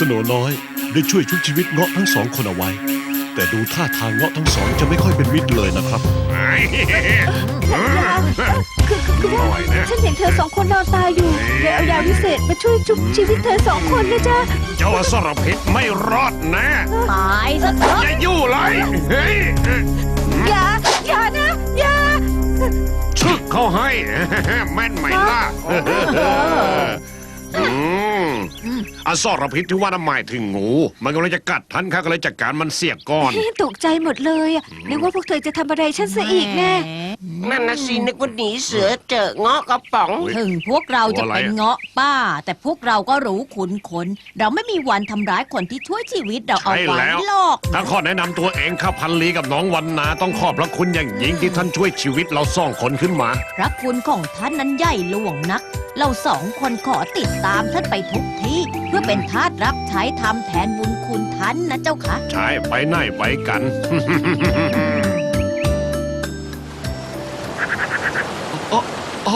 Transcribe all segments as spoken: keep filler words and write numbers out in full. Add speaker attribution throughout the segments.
Speaker 1: โหนน้อยได้ช่วยชุบชีวิตเงาะทั้งสองคนเอาไว้แต่ดูท่าทางเงาะทั้งสองจะไม่ค่อยเป็นมิตรเลยนะครับ
Speaker 2: คือคือคือว่าฉันเห็นเธอสองคนนอนตายอยู่เลยเอายาวิเศษมาช่วยชุบชีวิตเธอสองคนนะจ๊ะ
Speaker 3: เจ้าอสรพิษไม่รอดแน่
Speaker 4: ตายซะเถอะ
Speaker 3: อย่ายู่เลยเฮ้ย
Speaker 2: อย่าอย่านะอย่า
Speaker 3: ชึกเขาให้ แม่นไหมล่ะอืมอสรพิษที่ว่าน่ะหมายถึงงู มันกำลังจะกัดท่านข้าก็เลยจัดการมันเสียก่อน
Speaker 2: ตกใจหมดเลยอะนึกว่าพวกเธอจะทำอะไรฉันซะอีกแน่
Speaker 5: นั่นนะสินึกว่าหนีเสือเจอเงาะกระป๋อง
Speaker 4: ถึงพวกเราจะเป็นเงาะป้า แต่พวกเราก็รู้ขุนขน เราไม่มีวันทำร้ายคนที่ช่วยชีวิตเราเอา
Speaker 3: ใช่
Speaker 4: ไว้
Speaker 3: แล้ว
Speaker 4: หรอก
Speaker 3: ถ้าขอแนะนำตัวเองข้าพันลีกับน้องวันนาต้องขอบพระคุณอย่างยิ่งที่ท่านช่วยชีวิตเราสองคนขึ้นมา
Speaker 4: พระคุณของท่านนั้นใหญ่หลวงนัก เราสองคนขอติดตามท่านไปทุกที่ เพื่อเป็นทาสรับใช้ทำแทนบุญคุณท่านนะเจ้าค่ะ
Speaker 3: ใช่ไปไหนไปกัน
Speaker 1: อ๋ออ๋อ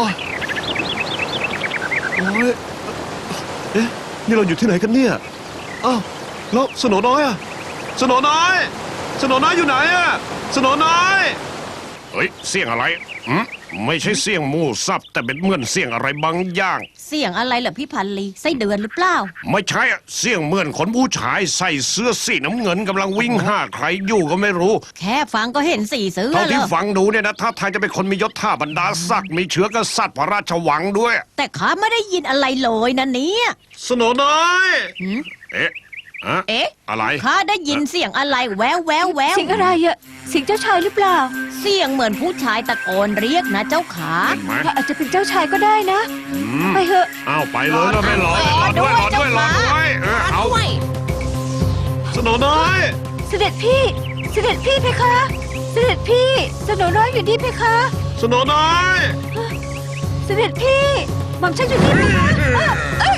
Speaker 1: โอ้ยเอ๊ะ นี่เราอยู่ที่ไหนกันเนี่ย อ้าว แล้วสโหนน้อยอะสโหนน้อยสโหนน้อยอยู่ไหนอะสโหนน้อย
Speaker 3: เฮ้ยเสียงอะไรอืมไม่ใช่เสียงหมูสับแต่เป็นเหมือนเสียงอะไรบางอย่าง
Speaker 4: เสียงอะไรเหรอพี่พันลีไส้เดือนหรือเปล่า
Speaker 3: ไม่ใช่อะเสียงเหมือนคนผู้ชายใส่เสื้อสีน้ำเงินกำลังวิ่งหาใครอยู่ก็ไม่รู้
Speaker 4: แค่ฟังก็เห็นสีเสือ
Speaker 3: เท่า
Speaker 4: แล้
Speaker 3: ที่
Speaker 4: ว
Speaker 3: ฟังดูเนี่ยนะถ้าทางจะเป็นคนมียศท่าบรรดาศักดิ์มีเชื้อกษัตริย์พระราชวังด้วย
Speaker 4: แต่ข้าไม่ได้ยินอะไรเลยนะเนี่ย
Speaker 1: สโหนน้อย
Speaker 4: หืม
Speaker 3: เอ๊ะอะ
Speaker 4: เอ๊ะ
Speaker 3: อะไร
Speaker 4: ข้าได้ยินเสียงอะไรแววแววแวว
Speaker 2: เสียงอะไรอะเสียงเจ้าชายหรือเปล่า
Speaker 4: เสียงเหมือนผู้ชายตะโกนเรียกนะเจ้าขา
Speaker 3: เห็นไหม
Speaker 2: อาจจะเป็นเจ้าชายก็ได้นะ
Speaker 3: อืม
Speaker 2: ไปเถอะ
Speaker 3: เอาไปเลยแล้วไม่รอรอด้วยรอด้วยรอด้วยเออเอา
Speaker 5: ด้วย
Speaker 1: สโหนน้อย
Speaker 2: เสด็จพี่ เสด็จพี่เพคะ เสด็จพี่สโหนน้อยอยู่นี่เพคะ
Speaker 1: สโหนน้อย
Speaker 2: เสด็จพี่หม่อมฉันอยู่นี่เพคะเอ้ย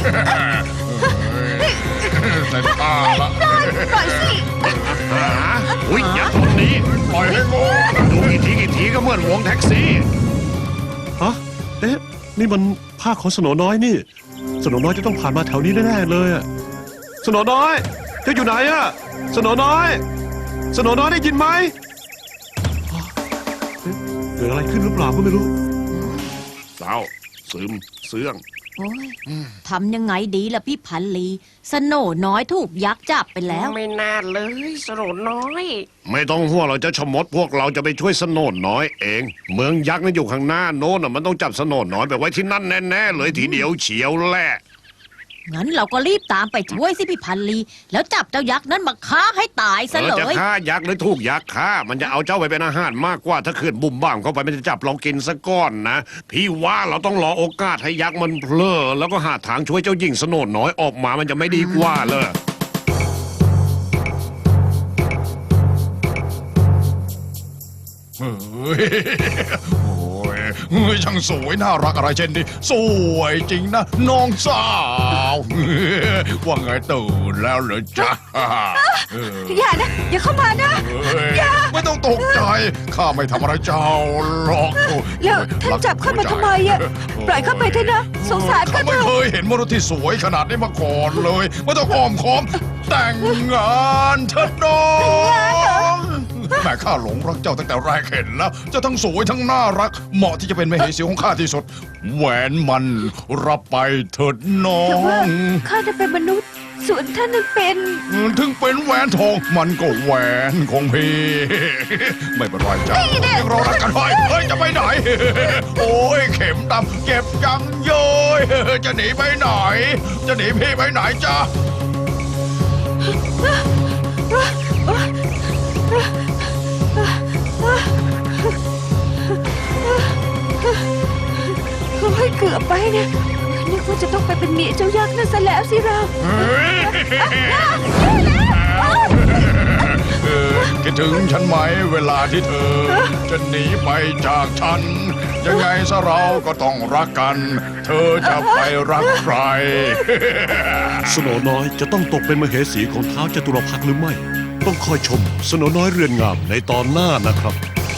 Speaker 6: แต่ตาละ
Speaker 2: ปล่อยปล่อยสิ
Speaker 3: หาอุ้ยอย่าตรงนี้
Speaker 6: ปล่อยให้โง่
Speaker 3: ดูกี่ทีกี่ทีก็เหมือนวงแท็กซี่
Speaker 1: ฮะ เอ๊ะ นี่มันผ้าของสโหนน้อยนี่ สโหนน้อยจะต้องผ่านมาแถวนี้แน่ๆเลยอะสโหนน้อยเจ้าอยู่ไหนอะสโหนน้อยสโหนน้อยได้ยินไหมฮะเอ๊ะเกิดอะไรขึ้นหรือเปล่าก็ไม่รู้
Speaker 3: เศร้าซึมเสื่อง
Speaker 4: โอ้ยทำยังไงดีล่ะพี่พันลีสโหนน้อยถูกยักษ์จับไปแล้ว
Speaker 5: ไม่น่าเลยสโรน้อย
Speaker 3: ไม่ต้องห่วงเราจะชะมดพวกเราจะไปช่วยสโนนน้อยเอง เมืองยักษ์นั่นอยู่ข้างหน้าโน้นน่ะมันต้องจับสโนนน้อยไปไว้ที่นั่นแน่ๆเลยทีเดียวเฉียวแหละ
Speaker 4: งั้นเราก็รีบตามไปช่วยสิพี่พันลี แล้วจับเจ้ายักษ์นั้นมาฆ่าให้ตายซะ
Speaker 3: เอ
Speaker 4: เล
Speaker 3: อจะ
Speaker 4: ย
Speaker 3: ฆ่ายักษ์หรือถูกยักษ์ฆ่ามันจะเอาเจ้าไปเป็นอาหารมากกว่าถ้าขืนบุ่มบ้ามเข้าไปมันจะจับเรากินซะก่อนนะ พี่ว่าเราต้องรอโอกาสให้ยักษ์มันเพลอแล้วก็หาทางช่วยเจ้าหญิงสโนนน้อยออกมามันจะไม่ดีกว่าเลย
Speaker 6: เฮ้ยโอ้ยเฮ้ยช่างสวยน่ารักอะไรเช่นนี้สวยจริงนะน้องสาวว่าไงตื่นแล้วเหรอจ๊ะเออ
Speaker 2: อย่านะ อย่าเข้ามานะ
Speaker 6: เฮ้ยไม่ต้องตกใจข้าไม่ทำอะไรเจ้าหรอก
Speaker 2: แล้วท่านจับเข้ามาทำไมอะปล่อยเข้าไปเถอะนะสงสาร
Speaker 6: ข้า
Speaker 2: เขาเถ
Speaker 6: ไม่
Speaker 2: อะ
Speaker 6: เคยเห็นมนุษย์ที่สวยขนาดนี้มาก่อนเลยไม่ต้องอ้อมค้อมแต่งงานเถิดน้องแม่ข้าหลงรักเจ้าตั้งแต่แรกเห็นแล้วเจ้าทั้งสวยทั้งน่ารัก เหมาะที่จะเป็นมเหสีของข้าที่สุด แหวนมันรับไปเถิดน้อ
Speaker 2: แต่ว่าง ข้าจะเป็นมนุษย์ ส่วนท่านนั้นเป็น
Speaker 6: ถึงเป็นแหวนทองมันก็แหวนของพี่ ไม่เป็นไรจ้ะยังเรารักกันไว้เฮ้ยจะไปไหน โอ้ยเข็มดำเก็บยังเย้ยจะหนีไปไหน จะหนีพี่ไปไหนจ้ะ
Speaker 2: โอ้ยเกือบไปเนี่ยนึกว่าจะต้องไปเป็นเมียเจ้ายักษ์นั่นซะแล้วสิเรา
Speaker 6: เออคิดถึงฉันไหมเวลาที่เธอ จะหนีไปจากฉัน ยังไงซะเราก็ต้องรักกัน เธอจะไปรักใคร
Speaker 1: สโหนน้อยจะต้องตกเป็นมเหสีของท้าวจตุรพักษ์หรือไม่ ต้องคอยชมสโหนน้อยเรือนงามในตอนหน้านะครับ